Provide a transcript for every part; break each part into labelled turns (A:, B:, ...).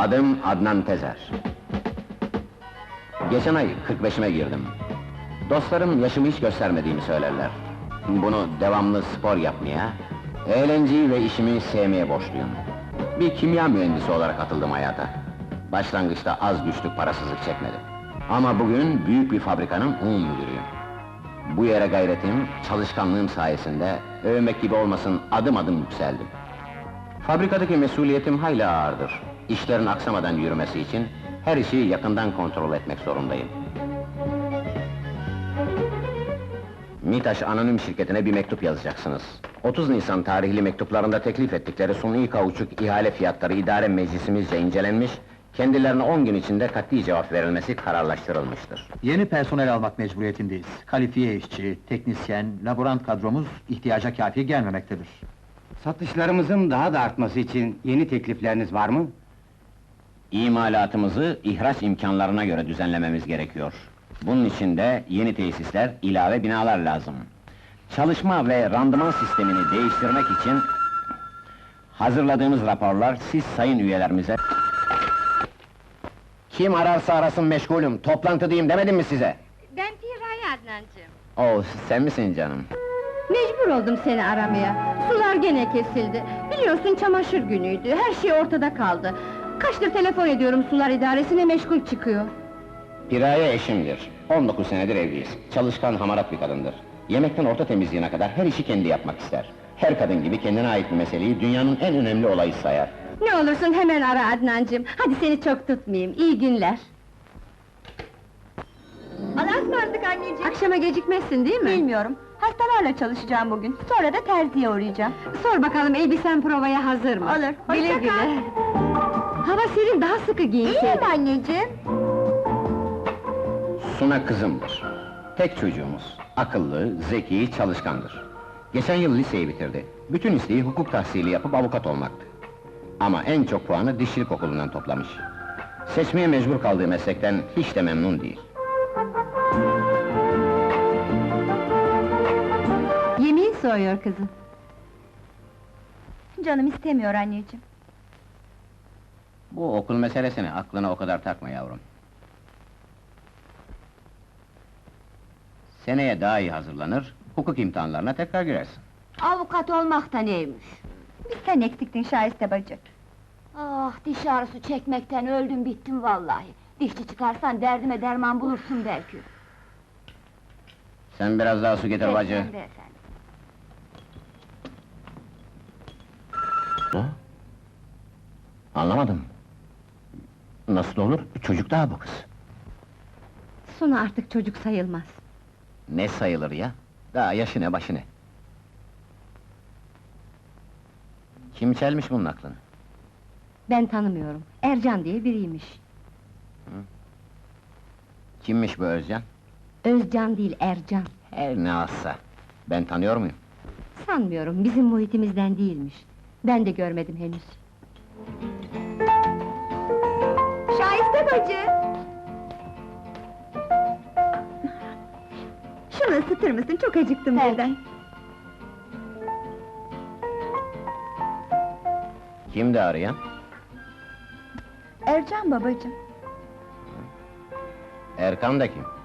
A: Adım Adnan Tezer. Geçen ay 45'ime girdim. Dostlarım yaşımı hiç göstermediğimi söylerler. Bunu devamlı spor yapmaya, eğlenceyi ve işimi sevmeye borçluyum. Bir kimya mühendisi olarak atıldım hayata. Başlangıçta az güçlük parasızlık çekmedim. Ama bugün büyük bir fabrikanın müdürüyüm. Bu yere gayretim, çalışkanlığım sayesinde, övmek gibi olmasın, adım adım yükseldim. Fabrikadaki mesuliyetim hayli ağırdır. İşlerin aksamadan yürümesi için, her işi yakından kontrol etmek zorundayım. MİTAŞ Anonim Şirketi'ne bir mektup yazacaksınız. 30 Nisan tarihli mektuplarında teklif ettikleri suni kauçuk ihale fiyatları idare meclisimizce incelenmiş, kendilerine 10 gün içinde kat'i cevap verilmesi kararlaştırılmıştır.
B: Yeni personel almak mecburiyetindeyiz. Kalifiye işçi, teknisyen, laborant kadromuz ihtiyaca kâfi gelmemektedir.
C: Satışlarımızın daha da artması için yeni teklifleriniz var mı?
A: İmalatımızı ihraç imkanlarına göre düzenlememiz gerekiyor. Bunun için de yeni tesisler, ilave binalar lazım. Çalışma ve randıman sistemini değiştirmek için hazırladığımız raporlar siz sayın üyelerimize... Kim ararsa arasın meşgulüm, toplantıdayım demedim mi size?
D: Ben Piray Adnancığım.
A: Sen misin canım?
D: Mecbur oldum seni aramaya. Sular gene kesildi. Biliyorsun çamaşır günüydü, her şey ortada kaldı. Kaçtır telefon ediyorum sular idaresine, meşgul çıkıyor.
A: Piraye eşimdir. 19 senedir evliyiz. Çalışkan, hamarat bir kadındır. Yemekten orta temizliğine kadar her işi kendi yapmak ister. Her kadın gibi kendine ait bir meseleyi dünyanın en önemli olayı sayar.
D: Ne olursun hemen ara Adnancığım. Hadi seni çok tutmayayım, iyi günler.
E: Allah'a ısmarladık anneciğim.
D: Akşama gecikmezsin değil mi?
E: Bilmiyorum. Hastalarla çalışacağım bugün. Sonra da terziye uğrayacağım.
D: Sor bakalım elbisen provaya hazır mı?
E: Olur, hoşça
D: Güle
E: kal.
D: güle. Hava serin, daha sıkı giyinseydin.
E: İyiyim anneciğim.
A: Suna kızımdır. Tek çocuğumuz. Akıllı, zeki, çalışkandır. Geçen yıl liseyi bitirdi. Bütün isteği hukuk tahsili yapıp avukat olmaktı. Ama en çok puanı dişçilik okulundan toplamış. Seçmeye mecbur kaldığı meslekten hiç de memnun değil.
D: Yemeğin soğuyor kızım.
E: Canım istemiyor anneciğim.
A: Bu okul meselesini aklına o kadar takma yavrum. Seneye daha iyi hazırlanır, hukuk imtihanlarına tekrar girersin.
D: Avukat olmak da neymiş?
E: Bir sen eksiktin Şahiste bacı.
D: Ah, diş ağrısı çekmekten öldüm bittim vallahi. Dişçi çıkarsan derdime derman bulursun belki.
A: Sen biraz daha su getir bacı.
D: Sen de efendim.
A: Anlamadım. Nasıl olur? Çocuk daha bu kız.
D: Sonu artık çocuk sayılmaz.
A: Ne sayılır ya? Daha yaşı ne başı ne? Kim çelmiş bunun aklını?
D: Ben tanımıyorum. Ercan diye biriymiş.
A: Kimmiş bu Özcan?
D: Özcan değil, Ercan.
A: Her ne azsa. Ben tanıyor muyum?
D: Sanmıyorum, bizim muhitimizden değilmiş. Ben de görmedim henüz.
E: Şahiste bacı! Şunu ısıtır mısın? Çok acıktım birden.
A: Kimdi arayan?
E: Ercan babacığım.
A: Erkan da kim?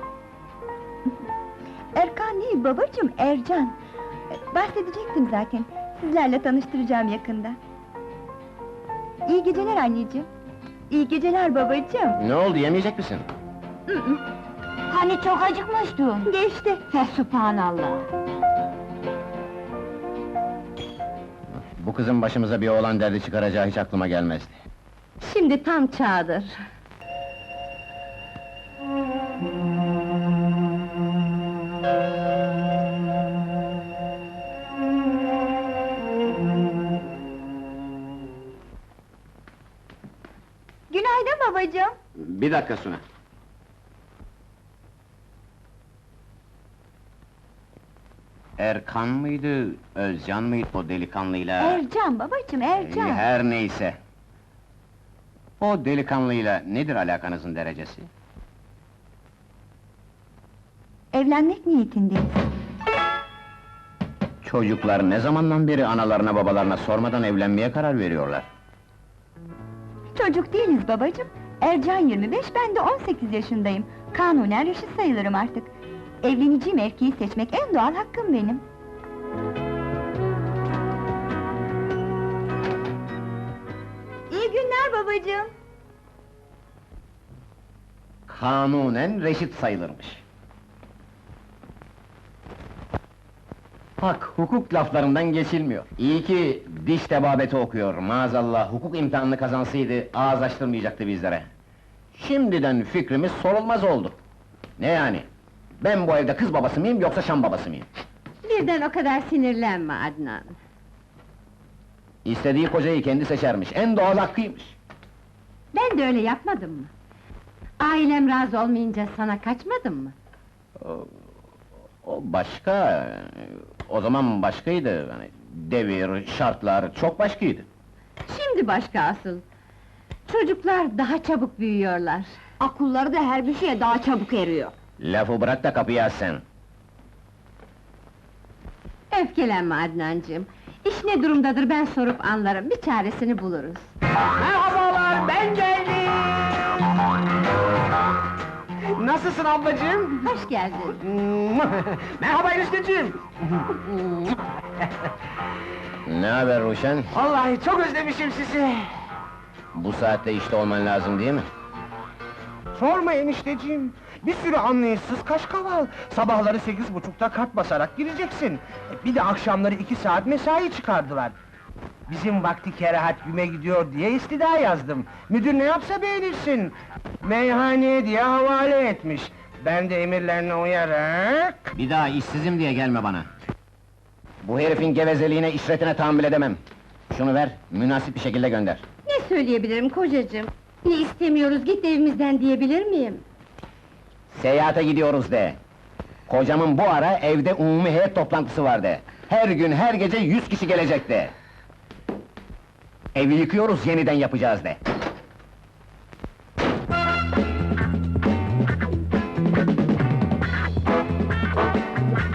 E: Erkan değil babacığım, Ercan. Bahsedecektim zaten. Sizlerle tanıştıracağım yakında. İyi geceler anneciğim. İyi geceler babacığım.
A: Ne oldu, yemeyecek misin?
D: Hani çok acıkmıştın?
E: Geçti.
D: Fesubhanallah!
A: Bu kızın başımıza bir oğlan derdi çıkaracağı hiç aklıma gelmezdi.
D: Şimdi tam çağdır.
E: Günaydın babacığım.
A: Bir dakika Suna. Erkan mıydı, Özcan mıydı o delikanlıyla?
E: Ercan babacığım, Ercan.
A: Her neyse. O delikanlıyla nedir alakanızın derecesi?
E: Evlenmek niyetindeyiz.
A: Çocuklar ne zamandan beri analarına babalarına sormadan evlenmeye karar veriyorlar?
E: Çocuk değiliz babacığım. Ercan 25, ben de 18 yaşındayım. Kanunen reşit sayılırım artık. Evleneceğim erkeği seçmek en doğal hakkım benim. İyi günler babacığım.
A: Kanunen reşit sayılırmış. Bak, hukuk laflarından geçilmiyor. İyi ki diş tebabeti okuyor, maazallah hukuk imtihanını kazansaydı ağız açtırmayacaktı bizlere. Şimdiden fikrimiz sorulmaz oldu. Ne yani? Ben bu evde kız babası mıyım yoksa Şam babası mıyım?
D: Birden o kadar sinirlenme Adnan.
A: İstediği kocayı kendi seçermiş, en doğal hakkıymış.
D: Ben de öyle yapmadım mı? Ailem razı olmayınca sana kaçmadım mı?
A: O başka, o zaman başkaydı. Hani devir, şartlar çok başkaydı.
D: Şimdi başka asıl. Çocuklar daha çabuk büyüyorlar. Akılları da her bir şeye daha çabuk eriyor.
A: Lafı bırak da kapıyı aç sen.
D: Öfkelenme Adnancığım. İş ne durumdadır ben sorup anlarım, bir çaresini buluruz.
C: Merhabalar, ben geldim! Nasılsın ablacığım?
D: Hoş geldin.
C: Merhaba enişteciğim!
A: Ne haber Ruşen?
C: Vallahi çok özlemişim sizi!
A: Bu saatte işte olman lazım değil mi?
F: Sorma enişteciğim, bir sürü anlayışsız kaşkaval. Sabahları 8.30'da kart basarak gireceksin. Bir de akşamları 2 saat mesai çıkardılar. Bizim vakti kerahat güme gidiyor diye istida yazdım. Müdür ne yapsa beğenirsin. Meyhaneye diye havale etmiş. Ben de emirlerine uyarak...
A: Bir daha işsizim diye gelme bana. Bu herifin gevezeliğine, işretine tahammül edemem. Şunu ver, münasip bir şekilde gönder.
D: Ne söyleyebilirim kocacığım? Ne istemiyoruz, git evimizden diyebilir miyim?
A: Seyahate gidiyoruz de. Kocamın bu ara evde umumi heyet toplantısı var de. Her gün, her gece 100 kişi gelecek de. Evi yıkıyoruz, yeniden yapacağız de.